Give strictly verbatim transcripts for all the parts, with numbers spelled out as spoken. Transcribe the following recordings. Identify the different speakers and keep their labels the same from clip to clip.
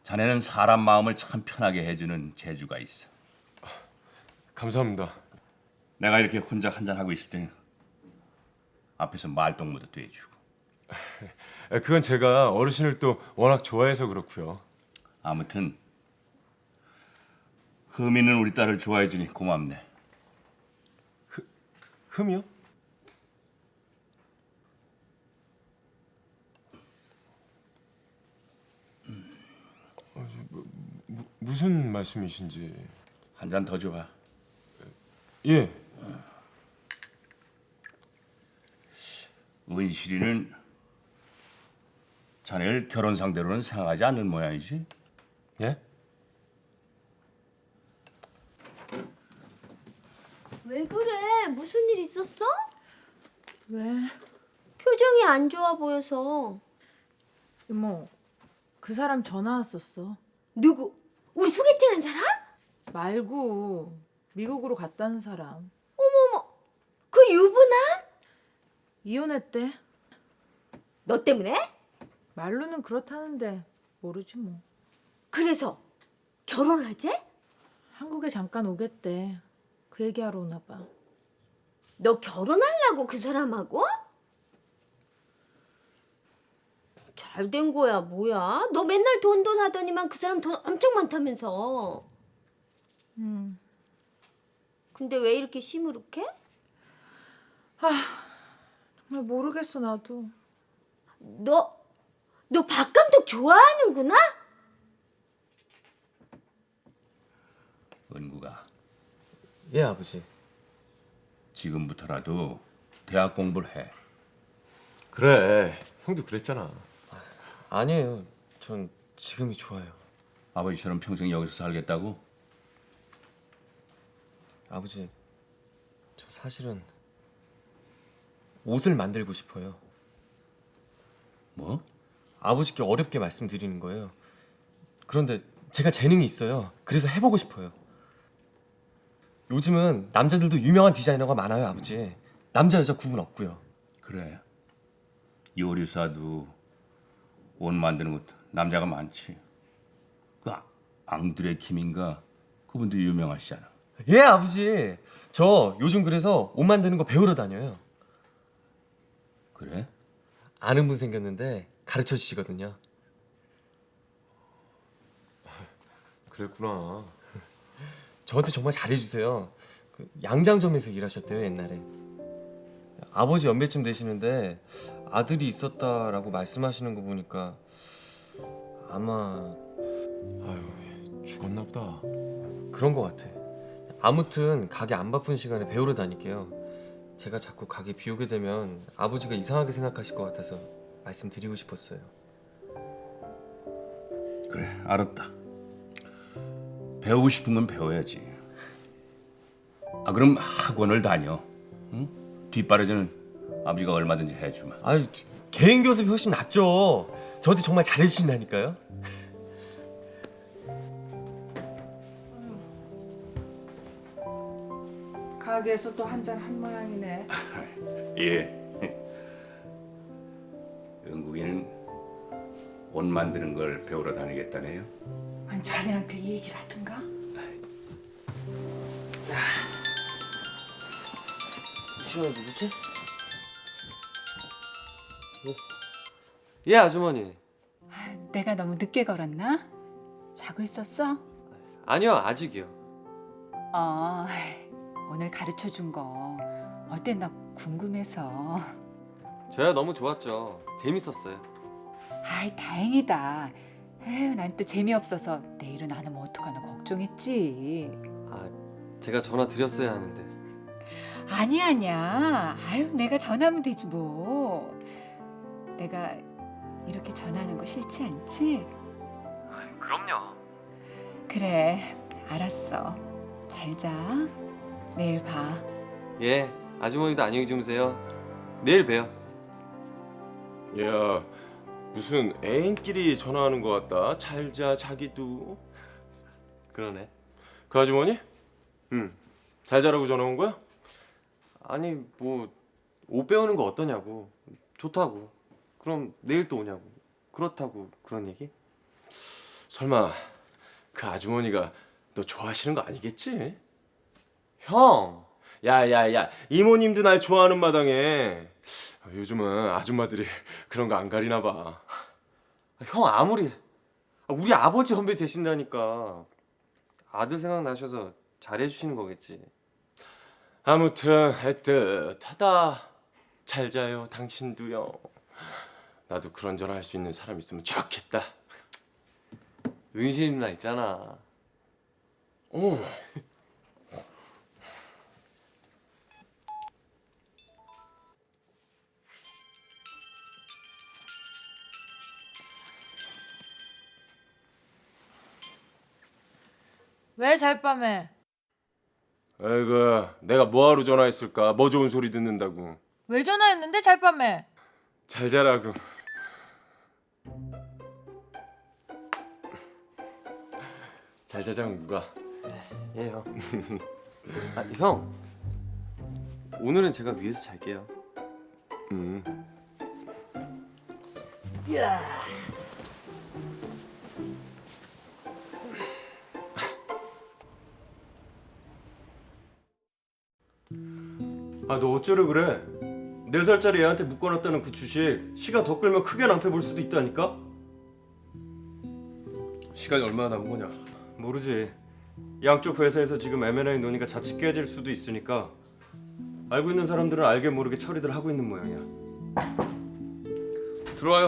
Speaker 1: 자네는 사람 마음을 참 편하게 해주는 재주가 있어.
Speaker 2: 감사합니다.
Speaker 1: 내가 이렇게 혼자 한잔하고 있을 때 앞에서 말동무도 돼주고.
Speaker 2: 아, 그건 제가 어르신을 또 워낙 좋아해서 그렇고요.
Speaker 1: 아무튼 흠이는 우리 딸을 좋아해주니 고맙네.
Speaker 2: 흠이요? 어, 저, 뭐, 무, 무슨 말씀이신지.
Speaker 1: 한 잔 더 줘봐.
Speaker 2: 예.
Speaker 1: 은실이는 자네를 결혼 상대로는 생각하지 않는 모양이지?
Speaker 2: 예?
Speaker 3: 왜 그래? 무슨 일 있었어?
Speaker 4: 왜?
Speaker 3: 표정이 안 좋아 보여서.
Speaker 4: 이모, 그 사람 전화 왔었어.
Speaker 3: 누구? 우리 소개팅한 사람?
Speaker 4: 말고 미국으로 갔다는 사람.
Speaker 3: 어머머, 그 유부남?
Speaker 4: 이혼했대.
Speaker 3: 너 때문에?
Speaker 4: 말로는 그렇다는데 모르지 뭐.
Speaker 3: 그래서 결혼하재?
Speaker 4: 한국에 잠깐 오겠대. 그 얘기하러 오나 봐.
Speaker 3: 너 결혼하려고 그 사람하고? 잘 된 거야 뭐야? 너 맨날 돈 돈 하더니만 그 사람 돈 엄청 많다면서.
Speaker 4: 음.
Speaker 3: 근데 왜 이렇게 시무룩해?
Speaker 4: 정말 모르겠어 나도.
Speaker 3: 너, 너 박 감독 좋아하는구나?
Speaker 1: 은구가
Speaker 5: 예, 아버지.
Speaker 1: 지금부터라도 대학 공부를 해.
Speaker 2: 그래. 형도 그랬잖아.
Speaker 5: 아니에요. 전 지금이 좋아요.
Speaker 1: 아버지처럼 평생 여기서 살겠다고?
Speaker 5: 아버지, 저 사실은 옷을 만들고 싶어요.
Speaker 1: 뭐?
Speaker 5: 아버지께 어렵게 말씀드리는 거예요. 그런데 제가 재능이 있어요. 그래서 해보고 싶어요. 요즘은 남자들도 유명한 디자이너가 많아요, 아버지. 남자 여자 구분 없고요.
Speaker 1: 그래. 요리사도 옷 만드는 것도 남자가 많지. 그 아- 앙드레 킴인가 그분도 유명하시잖아.
Speaker 5: 예, 아버지. 저 요즘 그래서 옷 만드는 거 배우러 다녀요.
Speaker 1: 그래?
Speaker 5: 아는 분 생겼는데 가르쳐 주시거든요.
Speaker 2: 그랬구나.
Speaker 5: 저한테 정말 잘해주세요. 그 양장점에서 일하셨대요 옛날에. 아버지 연배쯤 되시는데 아들이 있었다라고 말씀하시는 거 보니까 아마
Speaker 2: 아유, 죽었나 보다.
Speaker 5: 그런 거 같아. 아무튼 가게 안 바쁜 시간에 배우러 다닐게요. 제가 자꾸 가게 비우게 되면 아버지가 이상하게 생각하실 것 같아서 말씀드리고 싶었어요.
Speaker 1: 그래, 알았다. 배우고 싶은 건 배워야지. 아 그럼 학원을 다녀. 응? 뒷바라지는 아버지가 얼마든지 해주마.
Speaker 5: 아유, 개인 교습이 훨씬 낫죠. 저한테 정말 잘해주신다니까요.
Speaker 6: 가게에서 또 한 잔 한 모양이네.
Speaker 1: 예. 영국인은 옷 만드는 걸 배우러 다니겠다네요.
Speaker 6: 아니 자네한테 이 얘기를 하든가?
Speaker 5: 시원이 누구지? 어? 예, 아주머니.
Speaker 7: 내가 너무 늦게 걸었나? 자고 있었어?
Speaker 5: 아니요, 아직이요.
Speaker 7: 어, 오늘 가르쳐 준 거 어땠나 궁금해서.
Speaker 5: 저야 너무 좋았죠. 재밌었어요.
Speaker 7: 아이, 다행이다. 에휴, 난 또 재미없어서 내일은 안 오면 어떡하나 걱정했지.
Speaker 5: 아, 제가 전화 드렸어야 하는데.
Speaker 7: 아니야, 아니야. 아유, 내가 전화하면 되지 뭐. 내가 이렇게 전화하는 거 싫지 않지?
Speaker 5: 그럼요.
Speaker 7: 그래, 알았어. 잘 자. 내일 봐.
Speaker 5: 예, 아주머니도 안녕히 주무세요. 내일 봬요.
Speaker 2: 야, 무슨 애인끼리 전화하는 것 같다. 잘자 자기도.
Speaker 5: 그러네.
Speaker 2: 그 아주머니? 응. 잘 자라고 전화 온 거야?
Speaker 5: 아니, 뭐 옷 배우는 거 어떠냐고. 좋다고. 그럼 내일 또 오냐고. 그렇다고 그런 얘기?
Speaker 2: 설마 그 아주머니가 너 좋아하시는 거 아니겠지?
Speaker 5: 형!
Speaker 2: 야야야, 이모님도 날 좋아하는 마당에 요즘은 아줌마들이 그런 거 안 가리나 봐.
Speaker 5: 형 아무리 우리 아버지 선배 되신다니까 아들 생각나셔서 잘해주시는 거겠지.
Speaker 2: 아무튼 애틋하다. 잘 자요 당신도요. 나도 그런저런 할 수 있는 사람 있으면 좋겠다.
Speaker 5: 은신 나 있잖아.
Speaker 2: 오.
Speaker 4: 왜 잘밤에?
Speaker 2: 아이고, 내가 뭐하러 전화했을까? 뭐 좋은 소리 듣는다고.
Speaker 4: 왜 전화했는데 잘밤에?
Speaker 2: 잘 자라고. 잘 자자 누가.
Speaker 5: 예 형. 아, 형 오늘은 제가 위에서 잘게요.
Speaker 2: 음.
Speaker 8: 아, 너 어쩌려 그래? 네 살짜리 애한테 묶어놨다는 그 주식 시간 더 끌면 크게 낭패 볼 수도 있다니까?
Speaker 2: 시간이 얼마나 남은 거냐?
Speaker 8: 모르지. 양쪽 회사에서 지금 엠 앤 에이 논의가 자칫 깨질 수도 있으니까 알고 있는 사람들은 알게 모르게 처리들 하고 있는 모양이야.
Speaker 2: 들어와요.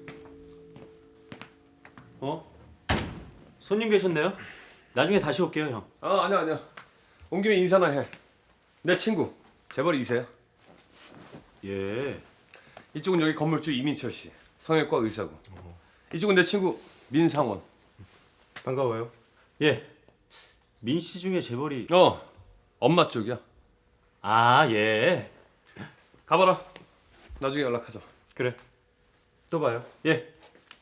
Speaker 8: 어? 손님 계셨네요? 나중에 다시 올게요, 형.
Speaker 2: 아 아니야 아니야. 온 김에 인사나 해. 내 친구 재벌 이세야.
Speaker 8: 예.
Speaker 2: 이쪽은 여기 건물주 이민철 씨, 성형외과 의사고. 이쪽은 내 친구 민상원.
Speaker 8: 반가워요. 예. 민 씨 중에 재벌이...
Speaker 2: 어, 엄마 쪽이야.
Speaker 8: 아, 예.
Speaker 2: 가봐라. 나중에 연락하자.
Speaker 8: 그래. 또 봐요. 예.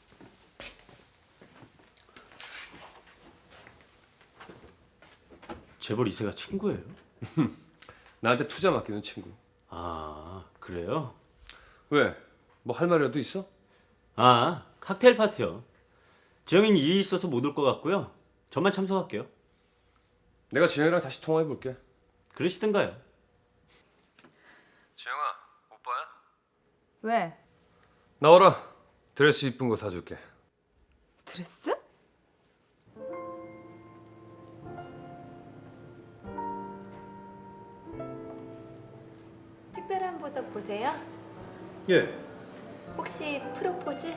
Speaker 8: 재벌 이세가 친구예요?
Speaker 2: 나한테 투자 맡기는 친구.
Speaker 8: 아, 그래요?
Speaker 2: 왜? 뭐 할 말이라도 있어?
Speaker 8: 아, 칵테일 파티요. 지영이는 일이 있어서 못 올 것 같고요. 저만 참석할게요.
Speaker 2: 내가 지영이랑 다시 통화해 볼게.
Speaker 8: 그러시든가요.
Speaker 2: 지영아, 오빠야?
Speaker 7: 왜?
Speaker 2: 나와라. 드레스 이쁜 거 사줄게.
Speaker 7: 드레스?
Speaker 9: 특별한 보석 보세요.
Speaker 10: 예,
Speaker 9: 혹시 프로포즈?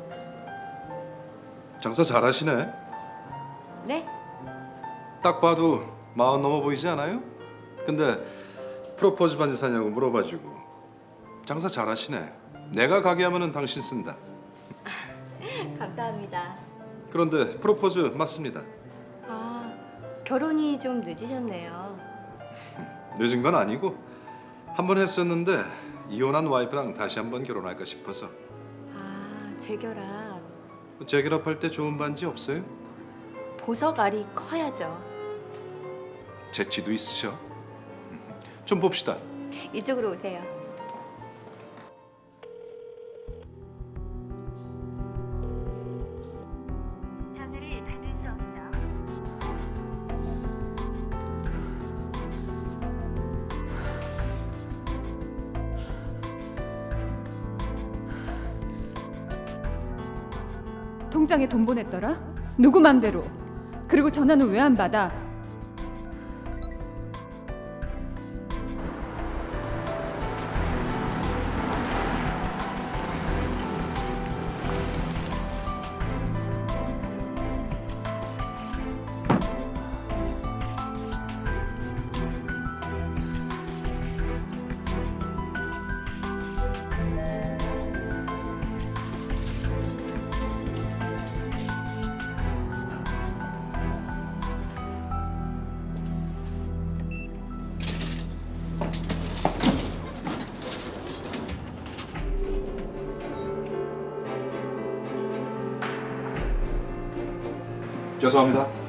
Speaker 10: 장사 잘하시네.
Speaker 9: 네?
Speaker 10: 딱 봐도 마흔 넘어 보이지 않아요? 근데 프로포즈 반지 사냐고 물어봐주고 장사 잘하시네. 내가 가게 하면은 당신 쓴다.
Speaker 9: 감사합니다.
Speaker 10: 그런데 프로포즈 맞습니다.
Speaker 9: 아, 결혼이 좀 늦으셨네요.
Speaker 10: 늦은 건 아니고 한 번 했었는데 이혼한 와이프랑 다시 한번 결혼할까 싶어서.
Speaker 9: 아, 재결합.
Speaker 10: 재결합할 때 좋은 반지 없어요?
Speaker 9: 보석 알이 커야죠.
Speaker 10: 재치도 있으셔. 좀 봅시다.
Speaker 9: 이쪽으로 오세요.
Speaker 11: 통장에 돈 보냈더라? 누구 맘대로? 그리고 전화는 왜 안 받아?
Speaker 10: 죄송합니다.